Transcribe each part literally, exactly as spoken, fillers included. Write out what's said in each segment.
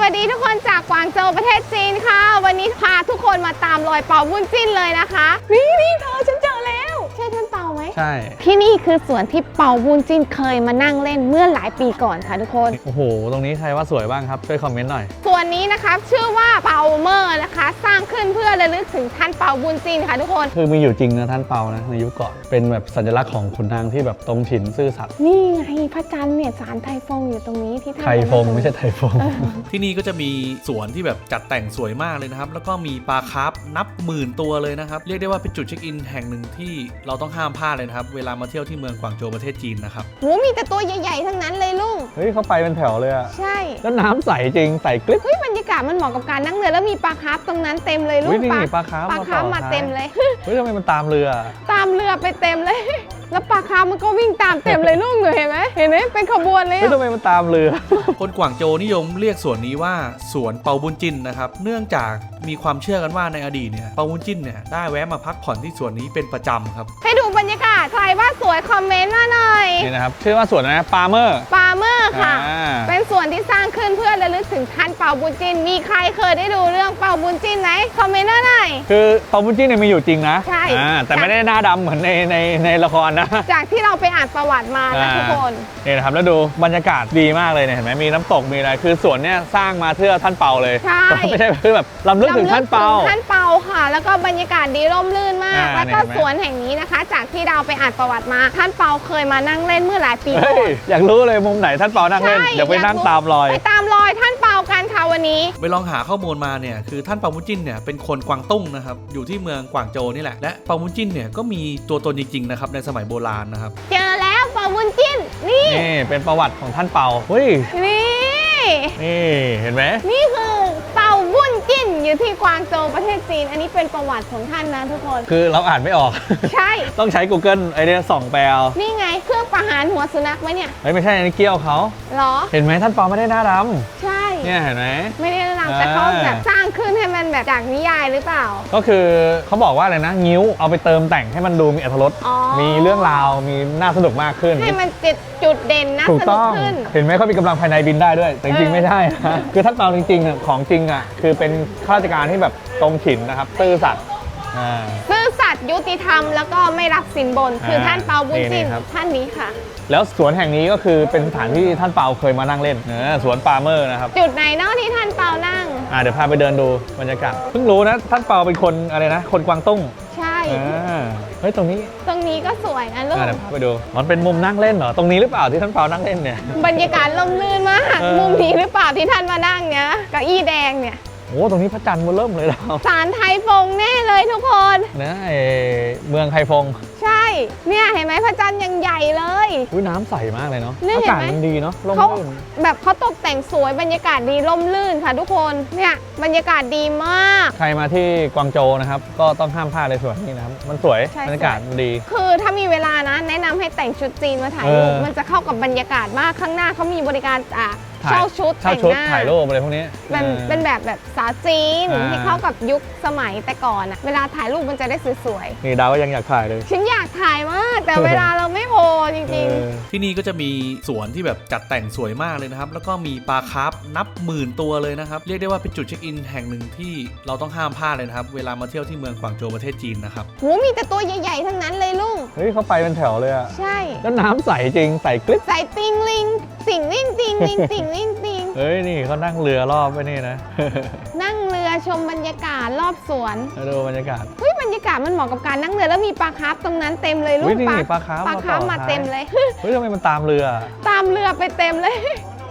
วัสดีทุกคนจากกวางโจวประเทศจีนค่ะวันนี้พาทุกคนมาตามรอยเปาบุญจิ้นเลยนะคะนี่นี่เธอฉันเจอแล้วใช่ท่านเปาไหมใช่ที่นี่คือสวนที่เปาบุญจิ้นเคยมานั่งเล่นเมื่อหลายปีก่อนค่ะทุกคนโอ้โหตรงนี้ใครว่าสวยบ้างครับช่วยคอมเมนต์หน่อยส่วนนี้นะคะชื่อว่าเปาเมอร์นะคะสร้างขึ้นเพื่อระลึกถึงท่านเปาบุญจิ้นค่ะทุกคนคือมีอยู่จริงนะท่านเปานะในยุคก่อนเป็นแบบสัญลักษณ์ของขุนนางที่แบบตรงฉินซื่อสัตย์นี่ไงพระจันทร์เนี่ยศาลไทฟงอยู่ตรงนี้ที่ท่านไทฟงไม่ใช่ไทฟงที่นี่ก็จะมีสวนที่แบบจัดแต่งสวยมากเลยนะครับแล้วก็มีปลาคาร์ฟนับหมื่นตัวเลยนะครับเรียกได้ว่าเป็นจุดเช็คอินแห่งหนึ่งที่เราต้องห้ามพลาดเลยนะครับเวลามาเที่ยวที่เมืองกวางโจวประเทศจีนนะครับโหมีแต่ตัวใหญ่ๆทั้งนั้นเลยลุงเฮ้ยเขาไปเป็นแถวเลยอะใช่แล้วน้ำใสจริงใสกริบเฮ้ยบรรยากาศมันเหมาะกับการนั่งเรือแล้วมีปลาคาร์ฟตรงนั้นเต็มเลยลุงปลาปลาคาร์ฟปลาคาร์ฟมาเต็มเลยเฮ้ยทำไมมันตามเรือตามเรือไปเต็มเลยแล้วปลาคาร์ฟมันก็วิ่งตามเต็มเลยลุงเห็นไหมเห็นไหมเป็นขบวนเลยเฮ้ยทำไมมันตามเรือคนกวางโจวนิยมเรียกสวนนี้ว่าสวนเปาบุญจิ้นนะครับเนื่องจากมีความเชื่อกันว่าในอดีตเนี่ยเปาบุญจิ้นเนี่ยได้แวะมาพักผ่อนที่สวนนี้เป็นประจำครับให้ดูบรรยากาศใครว่าสวยคอมเมนต์มาหน่อยนี่นะครับชื่อว่าสวนนะปาเมอร์ปาเมอร์ค่ะเป็นสวนที่สร้างขึ้นเพื่อระลึกถึงท่านเปาบุญจิ้นมีใครเคยได้ดูเรื่องเปาบุญจิ้นไหมคอมเมนต์มาหน่อยคือเปาบุญจิ้นเนี่ยมีอยู่จริงนะใช่แต่ไม่ได้หน้าดำเหมือนในในในละครนะจากที่เราไปอ่านประวัติมานะทุกคนนี่นะครับแล้วดูบรรยากาศดีมากเลยเนี่ยเห็นไหมมีน้ำตกมีอะไรคือสวนเนี่ยสร้างมาเพื่อท่านเปาเลยใช่ไม่ใช่คือแบบลำลึกถึงท่านเปาท่านเปาค่ะแล้วก็บรรยากาศดีร่มรื่นมากแล้วก็สวนแห่งนี้นะคะจากที่เราไปอ่านประวัติมาท่านเปาเคยมานั่งเล่นเมื่อหลายปีก่อนอยากรู้เลยมุมไหนท่านเปานั่งเล่นเดี๋ยวไปนั่งตามรอยไปตามรอยท่านเปากันค่ะวันนี้ไปลองหาข้อมูลมาเนี่ยคือท่านเปาบุญจิ้นเนี่ยเป็นคนกวางตุ้งนะครับอยู่ที่เมืองกวางโจวนี่แหละและเปาบุญจิ้นเนี่ยก็มีตัวตนจริงๆนะครับในสมัยโบราณนะครับเจอแล้วเปาบุญจิ้นนี่นี่เป็นประวัติของท่านเปาเฮ้ยนี่นี่เห็นไหมนี่คือเปาบุญจิ้นอยู่ที่กวางโจวประเทศจีนอันนี้เป็นประวัติของท่านนะทุกคนคือเราอ่านไม่ออกใช่ต้องใช้ Google ไอเดียส่องแปลนี่ไงเครื่องประหารหัวสุนัขไหมเนี่ยเฮ้ยไม่ใช่อันนี้เกี้ยวเขาหรอเห็นไหมท่านเปาไม่ได้หน้าดำใช่เนี่ยเห็นไหมไม่ได้หน้าดำแต่เขาแบบสร้างขึ้นให้มันแบบจากนิยายหรือเปล่าก็คือเขาบอกว่าอะไรนะงิ้วเอาไปเติมแต่งให้มันดูมีอรรถรสมีเรื่องราวมีน่าสนุกมากขึ้นให้มันจุดจุดเด่นน่าสนุกขึ้นเห็นไหมเขามีกำลังภายในบินได้ด้วยแต่จริงๆไม่ใช่คือท่านเปาจริงๆของจริงอ่ะคือเป็นข้าราชการที่แบบตรงฉินนะครับซื่อสัตย์ซื่อสัตย์ยุติธรรมแล้วก็ไม่รับสินบนคือท่านเปาบุญจิ้นท่านนี้ค่ะแล้วสวนแห่งนี้ก็คือเป็นสถานที่ท่านเปาเคยมานั่งเล่นสวนปาเมอร์นะครับจุดไหนเนาะที่ท่านเปานั่งอ่าเดี๋ยวพาไปเดินดูบรรยากาศเพิ่งรู้นะท่านเปาเป็นคนอะไรนะคนกวางตุ้งใช่เฮ้ยตรงนี้ตรงนี้ก็สวยนะลูกเดี๋ยวพาไปดูมันเป็นมุมนั่งเล่นเหรอตรงนี้หรือเปล่าที่ท่านเปานั่งเล่นเนี่ยบรรยากาศร่มรื่นมากมุมนี้หรือเปล่าที่ท่านมานั่งเนี้ยเก้าอี้แดงเนี่ยโอ้ตรงนี้พระจันทร์มันเริ่มเลยเราศาลไทฟงแน่เลยทุกคนนะเมืองไทฟงใช่เนี่ยเห็นไหมพระจันทร์ยังใหญ่เลยอุ้ยน้ำใสมากเลยเนาะอากาศมันดีเนาะร่มรื่นแบบเขาตกแต่งสวยบรรยากาศดีร่มรื่นค่ะทุกคนเนี่ยบรรยากาศดีมากใครมาที่กวางโจวนะครับก็ต้องห้ามพลาดเลยสวนนี้นะครับมันสวยบรรยากาศมันดีคือถ้ามีเวลานะแนะนำให้แต่งชุดจีนมาถ่ายรูปมันจะเข้ากับบรรยากาศมากข้างหน้าเขามีบริการอ่ะเช่าชุดแต่งหน้าถ่ายรูปอะไรพวกนี้เป็นเป็นแบบแบบสาวจีนที่เข้ากับยุคสมัยแต่ก่อนอะเวลาถ่ายรูปมันจะได้สวยๆนี่ดาวก็ยังอยากถ่ายเลยฉันอยากถ่ายมากแต่เวลาเราไม่พอจริงๆที่นี่ก็จะมีสวนที่แบบจัดแต่งสวยมากเลยนะครับแล้วก็มีปลาคาร์ฟนับหมื่นตัวเลยนะครับเรียกได้ว่าเป็นจุดเช็คอินแห่งหนึ่งที่เราต้องห้ามพลาดเลยนะครับเวลามาเที่ยวที่เมืองกวางโจวประเทศจีนนะครับโหมีแต่ตัวใหญ่ๆทั้งนั้นเลยลุงเฮ้ยเขาไปเป็นแถวเลยอะใช่แล้วน้ำใสจริงใสกริบใสติงลิงติงลิงติงลิงติงลิงติงเฮ้ยนี่เขานั่งเรือรอบไปนี่นะนั่งเรือชมบรรยากาศรอบสวนดูบรรยากาศเฮ้ยบรรยากาศมันเหมาะกับการนั่งเรือแล้วมีปลาคาร์ฟตรงนั้นเต็มเลยลูกปลาปลาคาร์ฟปลาคาร์ฟมาเต็มเลยเฮ้ยทำไมมันตามเรือตามเรือไปเต็มเลย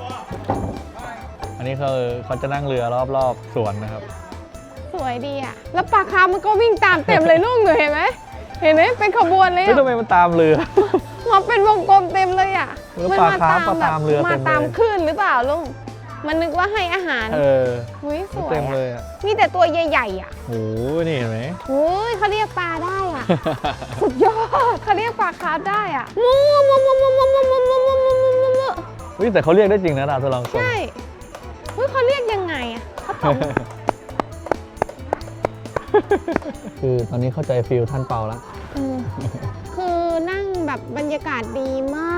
อันนี้เขาเขาจะนั่งเรือรอบๆสวนนะครับสวยดีอ่ะแล้วปลาคาร์ฟมันก็วิ่งตามเต็มเลยลูกหนูเห็นไหมเห็นไหมเป็นขบวนเลยเฮ้ยทำไมมันตามเรือมันเป็นวงกลมเต็มเลยอ่ะมันมาตามแบบมาตามคลื่นหรือเปล่าลุงมันนึกว่าให้อาหารเออหุ้ยสวยเต็มเลยอ่ะมีแต่ตัวใหญ่ๆอ่ะโอ้นี่เห็นไหมโอ้ยเขาเรียกปลาได้อ่ะสุดยอดเขาเรียกปลาคาร์ฟได้อ่ะมูมูมูมูมูมูมูมูมูมูมูมูมูเฮ้ยแต่เขาเรียกได้จริงนะดาวทดลองใช่เฮ้ยเขาเรียกยังไงอ่ะเขาตอบคือตอนนี้เข้าใจฟีลท่านเปาแล้วคือนั่งแบบบรรยากาศดีมาก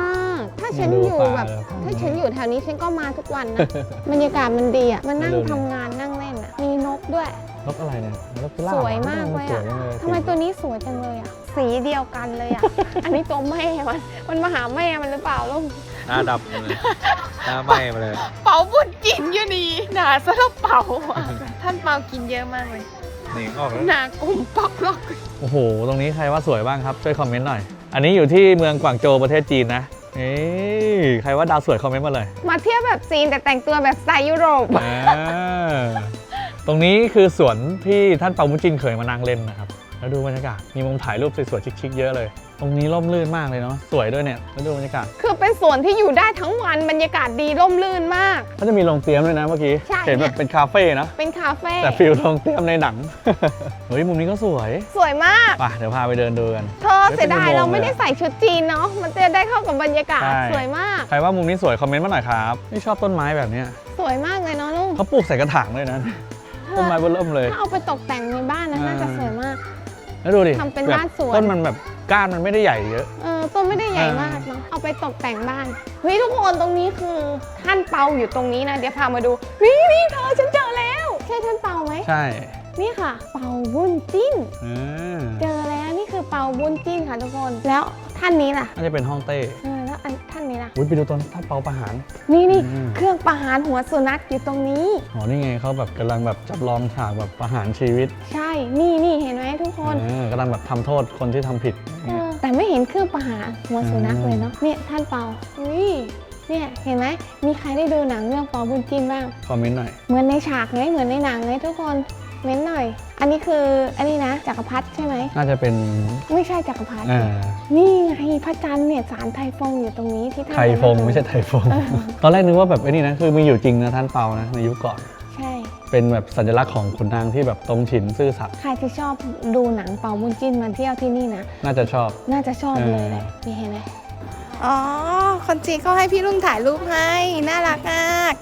ถ้าฉันดูอยู่ปลาแบบเลยถ้าฉันอยู่แถวนี้ฉันก็มาทุกวันนะ บรรยากาศมันดีอ่ะมานั่งมาดูทำงานนั่งเล่นอ่ะมีนกด้วยนกอะไรเนี่ยนกพิราบสวยมากเลยสอ่ะวจังเลยทำไมตัวนี้สวยจังเลยอ่ะสีเดียวกันเลยอ่ะ อันนี้ตัวแม่มันมันมาหาแม่มันหรือเปล่าลูกหน้าดำเลยหน้าไหม้มาเลยเป๋าบุญจินอยู่นี่หนาซะแล้วเป๋าอ่ะท่านเปากินเยอะมากเลยหนีออกแล้วหนากลุ่มปอกลอกโอ้โห ตรงนี้ใครว่าสวยบ้างครับ ช่วยคอมเมนต์หน่อย อันนี้อยู่ที่เมืองกวางโจวประเทศจีนนะเอ้ยใครว่าดาวสวยคอมเมนต์มาเลยมาเที่ยวแบบจีนแต่แต่งตัวแบบสไตล์ยุโรปอ่าตรงนี้คือสวนที่ท่านเปามุจินเคยมานั่งเล่นนะครับ แล้วดูบรรยากาศ มีมุมถ่ายรูปสวยๆชิคๆเยอะเลย ตรงนี้ร่มรื่นมากเลยเนาะ สวยด้วยเนี่ย แล้วดูบรรยากาศคือเป็นสวนที่อยู่ได้ทั้งวันบรรยากาศดีร่มรื่นมากก็จะมีโรงเตรียมด้วยนะเมื่อกี้ใช่เห็นแบบเป็นคาเฟ่นะเป็นคาเฟ่แต่ฟิลโรงเตรียมในหนัง เฮ้ยมุมนี้ก็สวยสวยมากไปเดี๋ยวพาไปเดินดูกันเธอเสียดายเราไม่ได้ใส่ชุดจีนเนาะมันจะได้เข้ากับบรรยากาศใช่สวยมากใครว่ามุมนี้สวยคอมเมนต์มาหน่อยครับนี่ชอบต้นไม้แบบเนี้ยสวยมากเลยเนาะลูกเขาปลูกใส่กระถางด้วยนะ ต้นไม้เบิ่มเลยถ้าเอาไปตกแต่งในบ้านนะอ่าน่าจะสวยมากแล้วดูดิทำเป็นแบบบ้านสวนต้นมันแบบก้านมันไม่ได้ใหญ่เยอะเออต้นไม่ได้ใหญ่มากเนาะเอาไปตกแต่งบ้านเฮ้ยทุกคนตรงนี้คือท่านเปาอยู่ตรงนี้นะเดี๋ยวพามาดูนี่นี่เธอฉันเจอแล้วใช่ท่านเปาไหมใช่นี่ค่ะ เปาบุญจิ้นอืมเจอแล้วนี่คือเปาบุญจิ้นค่ะทุกคนแล้วท่านนี้ล่ะน่าจะเป็นห้องเต้เออแล้วอันท่านนี้ล่ะอุ้ยไปดูต้นท่านเปาประหารนี่นี่อืมเครื่องประหารหัวสุนัขอยู่ตรงนี้อ๋อนี่ไงเขาแบบกำลังแบบจับลองฉากแบบประหารชีวิตใช่ นี่นี่เห็นไหมทุกคนเออกำลังแบบทำโทษคนที่ทำผิดเออแต่ไม่เห็นเครื่องประหารหัวสุนัขเลยเนาะ เนี่ยท่านเปาอุ้ยเนี่ยเห็นไหม มีใครได้ดูหนังเรื่องเปาบุญจิ้นบ้างคอมเมนต์หน่อยเหมือนในฉากไงเหมือนในหนังไงทุกคน เม้นหน่อย อันนี้คือ อันนี้นะจักรพรรดิใช่ไหมน่าจะเป็นไม่ใช่จักรพรรดิอ่านี่ไงพระจันทร์เนี่ยศาลไทฟงอยู่ตรงนี้ที่ท่านไทยฟงไม่ใช่ไทยฟง ตอนแรกนึกว่าแบบไอ้นี่นะคือมีอยู่จริงนะท่านเปานะในยุคก่อนใช่เป็นแบบสัญลักษณ์ของขุนนางที่แบบตรงฉินซื่อสัตย์ใครที่ชอบดูหนังเปาบุญจิ้นมาเที่ยวที่นี่นะน่าจะชอบน่าจะชอบเลยแหละนี่เห็นไหมอ๋อ คนจีนเขาให้พี่ลุงถ่ายรูปให้ น่ารักมาก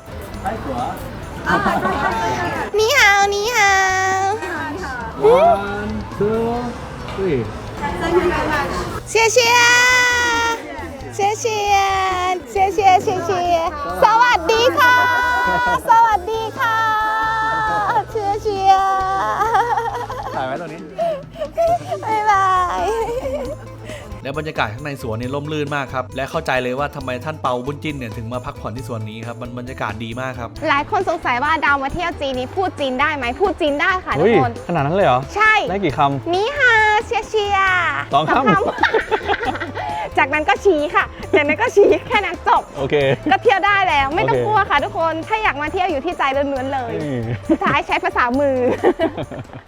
นี่ฮาวนี่ฮาว one two three เชียร์เชียร์เชียร์เชียร์เชียร์เชียร์เชียร์เชียร์สวัสดีค่ะ สวัสดีค่ะเชียร์เชียร์ถ่ายไว้ตรงนี้บ๊ายบายและบรรยากาศข้างในสวนเนี่ยร่มรื่นมากครับและเข้าใจเลยว่าทำไมท่านเปาบุญจิ้นเนี่ยถึงมาพักผ่อนที่สวนนี้ครับมันบรรยากาศดีมากครับหลายคนสงสัยว่าดาวมาเที่ยวจีนนี้พูดจีนได้ไหมพูดจีนได้ค่ะทุเฮ้กยคนขนาดนั้นเลยเหรอใช่ได้กี่คนี่ฮะเชียร์เชียร์สองคำำ จากนั้นก็ชี้ค่ะ จากนั้นก็ชี้แค่นั้นจบำโอเคก็เที่ยวได้แล้วไม่ต้องโอเคกลัวค่ะทุกคน ถ้าอยากมาเที่ยวอยู่ที่ใจล้วนๆเลยนี่สุดท้ายใช้ภาษามือ